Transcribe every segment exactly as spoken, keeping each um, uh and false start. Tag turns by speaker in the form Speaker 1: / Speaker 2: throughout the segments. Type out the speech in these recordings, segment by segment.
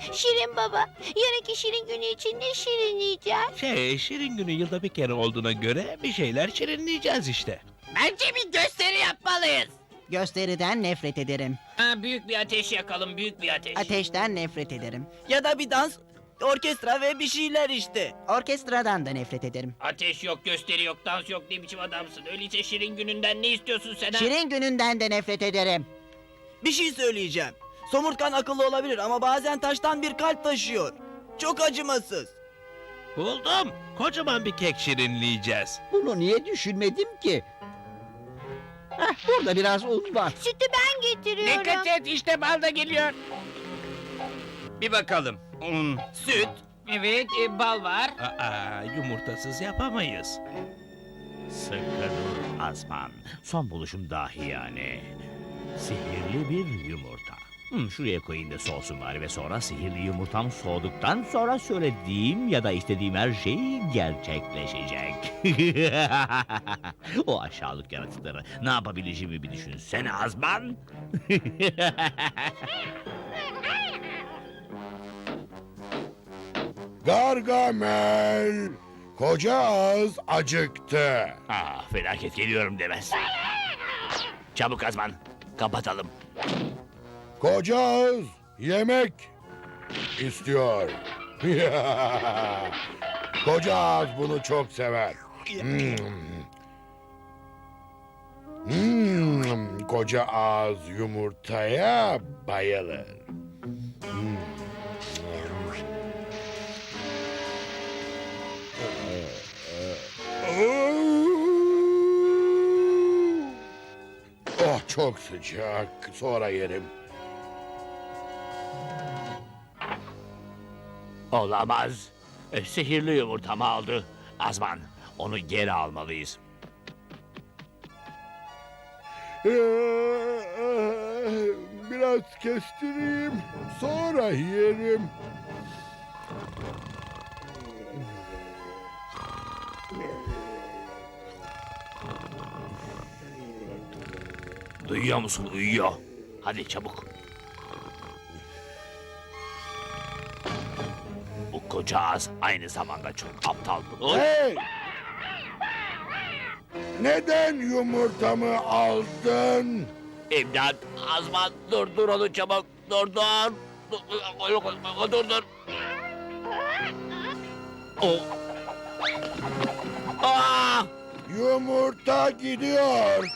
Speaker 1: Şirin baba, yarınki Şirin günü için ne şirinleyeceğiz?
Speaker 2: Şey, Şirin günü yılda bir kere olduğuna göre bir şeyler şirinleyeceğiz işte.
Speaker 3: Bence bir gösteri yapmalıyız.
Speaker 4: Gösteriden nefret ederim.
Speaker 3: Ha, büyük bir ateş yakalım, büyük bir ateş.
Speaker 4: Ateşten nefret ederim.
Speaker 5: Ya da bir dans, orkestra ve bir şeyler işte.
Speaker 4: Orkestradan da nefret ederim.
Speaker 3: Ateş yok, gösteri yok, dans yok, ne biçim adamsın? Öyleyse Şirin gününden ne istiyorsun sen ha?
Speaker 4: Şirin gününden de nefret ederim.
Speaker 5: Bir şey söyleyeceğim. Somurtkan akıllı olabilir ama bazen taştan bir kalp taşıyor. Çok acımasız.
Speaker 2: Buldum. Kocaman bir kek şirinleyeceğiz.
Speaker 6: Bunu niye düşünmedim ki? Heh, burada biraz un var.
Speaker 1: Sütü ben getiriyorum.
Speaker 3: Dikkat et, işte bal da geliyor.
Speaker 7: Bir bakalım. Un, süt.
Speaker 3: Evet, e, bal var.
Speaker 2: Aa, yumurtasız yapamayız.
Speaker 8: Sıkı dur Azman. Son buluşum dahi yani. Sihirli bir yumurta. Hmm, şuraya koyayım da soğusun bari ve sonra sihirli yumurtam soğuduktan sonra söylediğim ya da istediğim her şey gerçekleşecek. O aşağılık yaratıkları ne yapabileceğimi bir düşünsene Azman.
Speaker 9: Gargamel, koca ağız acıktı.
Speaker 8: Ah, felaket geliyorum demez. Çabuk Azman, kapatalım.
Speaker 9: Koca ağız yemek istiyor. Koca ağız bunu çok sever. Hmm. Hmm, koca ağız yumurtaya bayılır. Hmm. Oh, çok sıcak. Sonra yerim.
Speaker 8: Olamaz. E, sihirli yumurtamı aldı. Azman, onu geri almalıyız.
Speaker 9: Biraz kestireyim. Sonra yerim.
Speaker 8: Duyuyor musun? Uyuyor. Hadi çabuk. Bu koca ağız aynı zamanda çok aptal. Oy!
Speaker 9: Hey! Neden yumurtamı aldın?
Speaker 8: İmdat! Azman dur dur onu çabuk. Dur dur. Dur dur. dur. Oh. Aa!
Speaker 9: Yumurta gidiyor.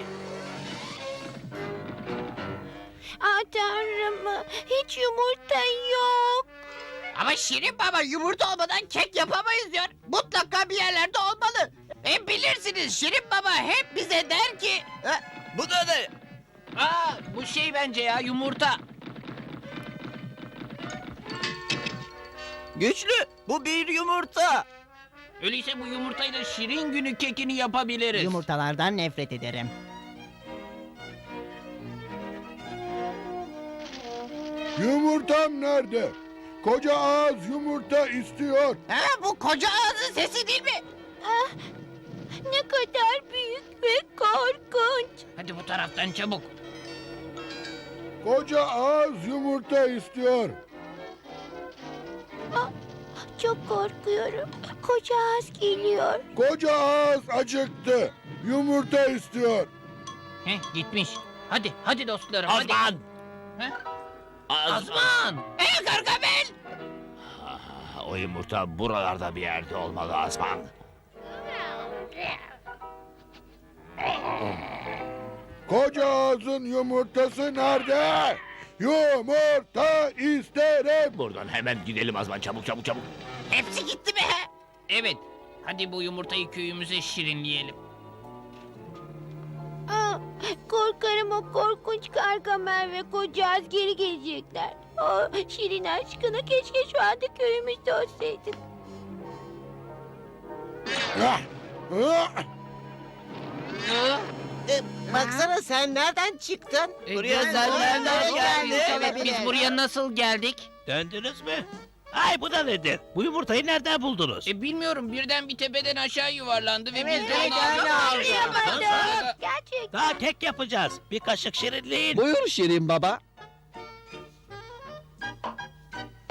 Speaker 1: Aa tanrım, hiç yumurta yok.
Speaker 3: Ama Şirin baba yumurta olmadan kek yapamayız diyor. Mutlaka bir yerlerde olmalı. E bilirsiniz Şirin baba hep bize der ki...
Speaker 5: Ha, bu da ne?
Speaker 3: Aa, bu şey bence ya yumurta.
Speaker 5: Güçlü, bu bir yumurta.
Speaker 3: Öyleyse bu yumurtayla Şirin günü kekini yapabiliriz.
Speaker 4: Yumurtalardan nefret ederim.
Speaker 9: Yumurtam nerede? Koca ağız yumurta istiyor.
Speaker 3: Ha, bu koca ağzın sesi değil mi?
Speaker 1: Ah, ne kadar büyük ve korkunç.
Speaker 3: Hadi bu taraftan çabuk.
Speaker 9: Koca ağız yumurta istiyor.
Speaker 1: Ah, çok korkuyorum. Koca ağız geliyor.
Speaker 9: Koca ağız acıktı. Yumurta istiyor.
Speaker 3: Heh, gitmiş. Hadi, hadi dostlarım hadi.
Speaker 8: Azman!
Speaker 3: Heh,
Speaker 8: Azman!
Speaker 3: Azman! Ey Gargamel!
Speaker 8: Ah, o yumurta buralarda bir yerde olmalı Azman.
Speaker 9: Koca ağzın yumurtası nerede? Yumurta isterim.
Speaker 8: Buradan hemen gidelim Azman, çabuk çabuk çabuk.
Speaker 3: Hepsi gitti mi? Evet. Hadi bu yumurtayı köyümüze şirinleyelim.
Speaker 1: Aa, korkarım o korkunç Gargamel ve koca ağız geri gelecekler. Oh, Şirin aşkına keşke şu anda köyümüzde olsaydın.
Speaker 9: Ah, ah.
Speaker 3: Ee,
Speaker 4: Baksana sen nereden çıktın?
Speaker 3: e,
Speaker 5: Buraya
Speaker 3: gel-
Speaker 5: sen nereden
Speaker 3: Nereden
Speaker 5: geldin?
Speaker 3: Evet, biz buraya nasıl geldik?
Speaker 2: Döndünüz mü? Ay bu da nedir? Bu yumurtayı nereden buldunuz?
Speaker 3: E bilmiyorum, birden bir tepeden aşağı yuvarlandı ve
Speaker 4: Evet,
Speaker 3: biz de
Speaker 4: evet,
Speaker 3: onu
Speaker 4: öyle
Speaker 3: aldık.
Speaker 4: oldu.
Speaker 1: Anlayamadım. Gerçekten.
Speaker 2: Daha kek yapacağız. Bir kaşık şirinleyin.
Speaker 6: Buyur Şirin baba.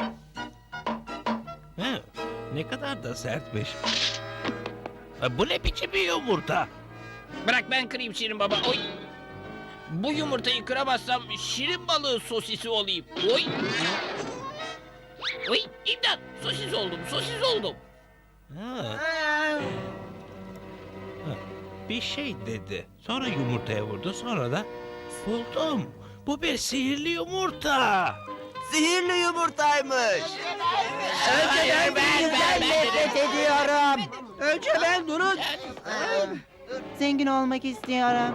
Speaker 2: He, ne kadar da sertmiş. Ha, bu ne biçim bir yumurta?
Speaker 7: Bırak ben kırayım Şirin Baba. Oy. Bu yumurtayı kıramazsam şirin balığı sosisi olayım. Oy. Oy imdat sosis oldum sosis oldum.
Speaker 2: Ha. Ha, bir şey dedi. Sonra yumurtaya vurdu. Sonra da buldum. Bu bir sihirli yumurta.
Speaker 5: Sihirli yumurtaymış.
Speaker 4: Önce ben, ben nefret ediyorum.
Speaker 6: Önce ben durun.
Speaker 4: Zengin olmak istiyorum.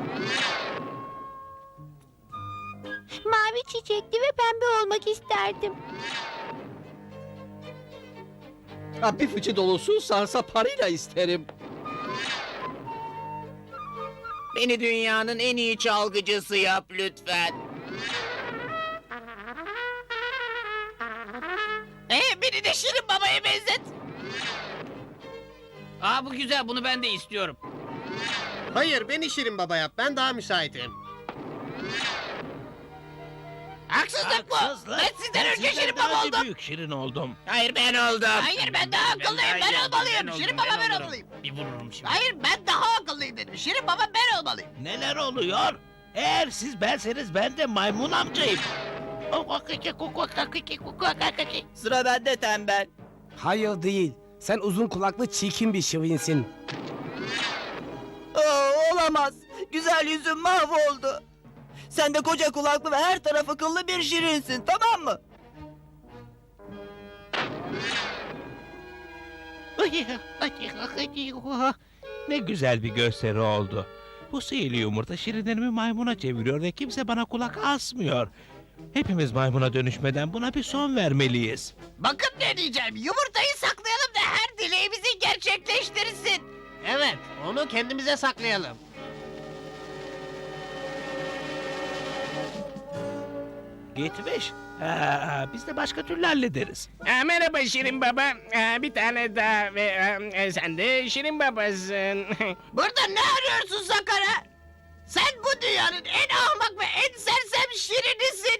Speaker 1: Mavi çiçekli ve pembe olmak isterdim.
Speaker 6: Ha, bir fıçı dolusu sarsa parayla isterim.
Speaker 3: Beni dünyanın en iyi çalgıcısı yap lütfen. Ee, beni de Şirin Baba'ya benzet.
Speaker 7: Aa bu güzel bunu ben de istiyorum.
Speaker 6: Hayır, beni Şirin Baba yap. Ben daha müsaitim.
Speaker 3: Haksızlık bu.
Speaker 2: Haksızlık.
Speaker 3: Ben sizden önce
Speaker 2: sizden
Speaker 3: Şirin
Speaker 2: daha
Speaker 3: Baba
Speaker 2: bir
Speaker 3: oldum.
Speaker 2: büyük şirin oldum.
Speaker 3: Hayır ben oldum. Hayır ben daha akıllıyım. Ben,
Speaker 7: daha-
Speaker 3: olmalıyım.
Speaker 7: oldum,
Speaker 3: Şirin Baba ben,
Speaker 7: olurum.
Speaker 3: olmalıyım.
Speaker 7: Bir vururum şimdi.
Speaker 3: Hayır ben daha akıllıyım dedim. Şirin Baba ben olmalıyım.
Speaker 2: Neler oluyor? Eğer siz benseniz ben de maymun amcayım.
Speaker 5: Sıra bende tembel.
Speaker 10: Hayır değil. Sen uzun kulaklı çirkin bir şirinsin.
Speaker 5: Oo, olamaz. Güzel yüzüm mahvoldu. Sen de koca kulaklı ve her tarafı kıllı bir şirinsin, tamam mı?
Speaker 2: Ne güzel bir gösteri oldu. Bu sihirli yumurta şirinlerimi maymuna çeviriyor ve kimse bana kulak asmıyor. Hepimiz maymuna dönüşmeden buna bir son vermeliyiz.
Speaker 3: Bakın ne diyeceğim. Yumurtayı saklayalım da her dileğimizi gerçekleştirsin.
Speaker 6: Evet, onu kendimize saklayalım.
Speaker 2: Gitmiş. Ha, biz de başka türlü hallederiz.
Speaker 7: Aa, merhaba Şirin Baba. Aa, bir tane daha ve e, sen de Şirin Babasın.
Speaker 3: Burada ne arıyorsun Sakara? Sen bu dünyanın en ahmak ve en sersem şirinisin.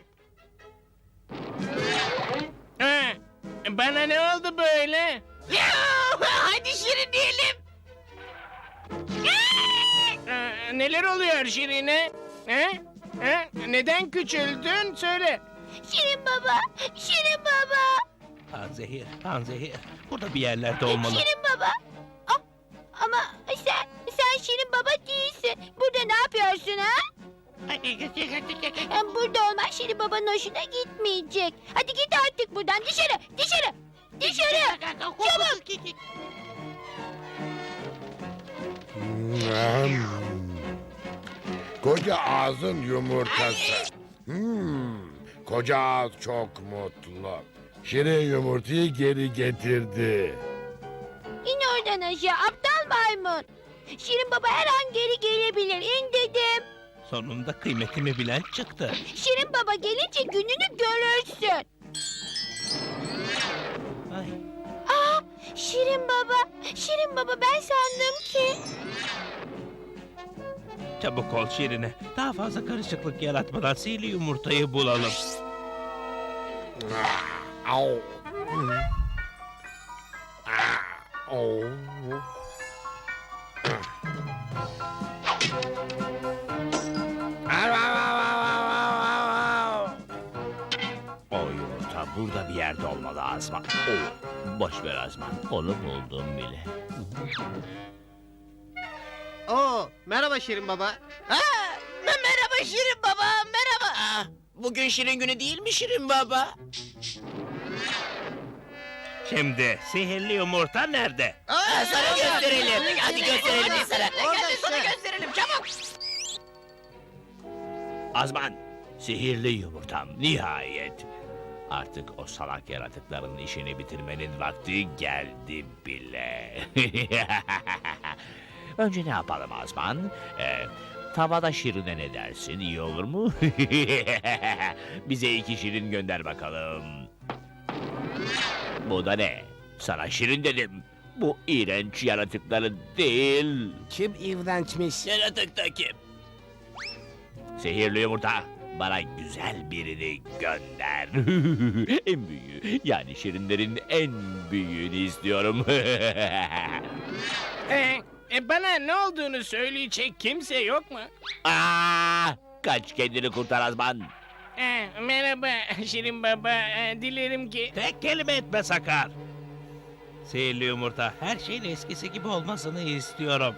Speaker 7: Aa, bana ne oldu böyle?
Speaker 3: Yuh! Hadi şirinleyelim.
Speaker 7: Aa, neler oluyor Şirin'e? Ha? Ha? Neden küçüldün? Söyle.
Speaker 1: Şirin baba, Şirin baba.
Speaker 2: Panzehir, panzehir. Burada bir yerlerde olmalı.
Speaker 1: Şirin baba. Ah, ama sen, sen Şirin baba değilsin. Burada ne yapıyorsun ha? Hem burada olmak Şirin babanın hoşuna gitmeyecek. Hadi git artık buradan dışarı, dışarı, dışarı. Çabuk.
Speaker 9: Hmm. Koca ağzın yumurtası. Hmm. Koca ağız çok mutlu. Şirin yumurtayı geri getirdi.
Speaker 1: İn oradan aşağı aptal maymun. Şirin baba her an geri gelebilir. İn dedim.
Speaker 2: Sonunda kıymetimi bilen çıktı.
Speaker 1: Şirin baba gelince gününü görürsün.
Speaker 2: Ay,
Speaker 1: Aa, Şirin baba, Şirin baba ben sandım ki.
Speaker 2: çabuk ol Şirine. Daha fazla karışıklık yaratmadan sihirli yumurtayı bulalım.
Speaker 9: Ah, au. Hmm. Ah, au.
Speaker 8: O yumurta burada bir yerde olmalı Azman. Oo, boş ver Azman. Onu buldum bile.
Speaker 6: Oo, merhaba Şirin Baba.
Speaker 3: Ha, me- merhaba Şirin Baba, merhaba. Aa, bugün Şirin günü değil mi Şirin Baba?
Speaker 2: Şimdi sihirli yumurta nerede?
Speaker 3: Aa, sana gösterelim. Hadi gösterelim sana.
Speaker 6: Orada
Speaker 3: Hadi sana
Speaker 6: işte.
Speaker 3: gösterelim çabuk.
Speaker 8: Azman, sihirli yumurtam nihayet. Artık o salak yaratıkların işini bitirmenin vakti geldi bile. Önce ne yapalım Azman? Ee, tavada şirine ne dersin? İyi olur mu? Bize iki şirin gönder bakalım. Bu da ne? Sana şirin dedim. Bu iğrenç yaratıkların değil.
Speaker 10: Kim iğrençmiş?
Speaker 3: Yaratık da kim?
Speaker 8: Sihirli yumurta. Bana güzel birini gönder. En büyüğü, yani şirinlerin en büyüğünü istiyorum.
Speaker 7: Ee, e, bana ne olduğunu söyleyecek kimse yok mu?
Speaker 8: Aa, kaç kendini kurtar Azman.
Speaker 7: Ee, merhaba Şirin Baba. Ee, dilerim ki...
Speaker 2: Tek kelime etme Sakar. Sihirli yumurta, her şeyin eskisi gibi olmasını istiyorum.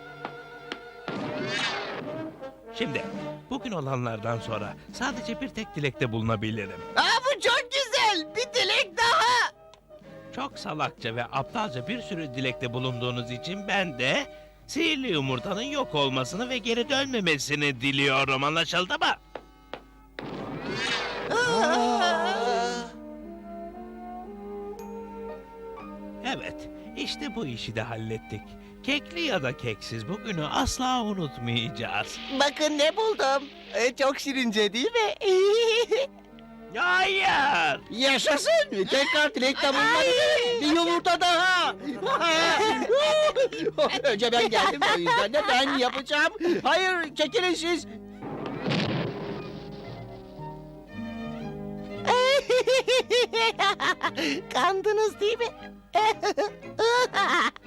Speaker 2: Şimdi, bugün olanlardan sonra sadece bir tek dilekte bulunabilirim.
Speaker 3: Aa, bu çok güzel. Bir dilek daha.
Speaker 2: Çok salakça ve aptalca bir sürü dilekte bulunduğunuz için ben de sihirli yumurtanın yok olmasını ve geri dönmemesini diliyorum. Anlaşıldı mı? Evet, işte bu işi de hallettik. Kekli ya da keksiz bugünü asla unutmayacağız.
Speaker 4: Bakın ne buldum. Ee, çok şirince değil mi?
Speaker 2: Hayır!
Speaker 6: Yaşasın. Tekrar dilekte bulunabilirim. Bir yumurta daha. Önce ben geldim, o yüzden de ben yapacağım. Hayır, çekilin siz.
Speaker 4: Kandınız değil mi?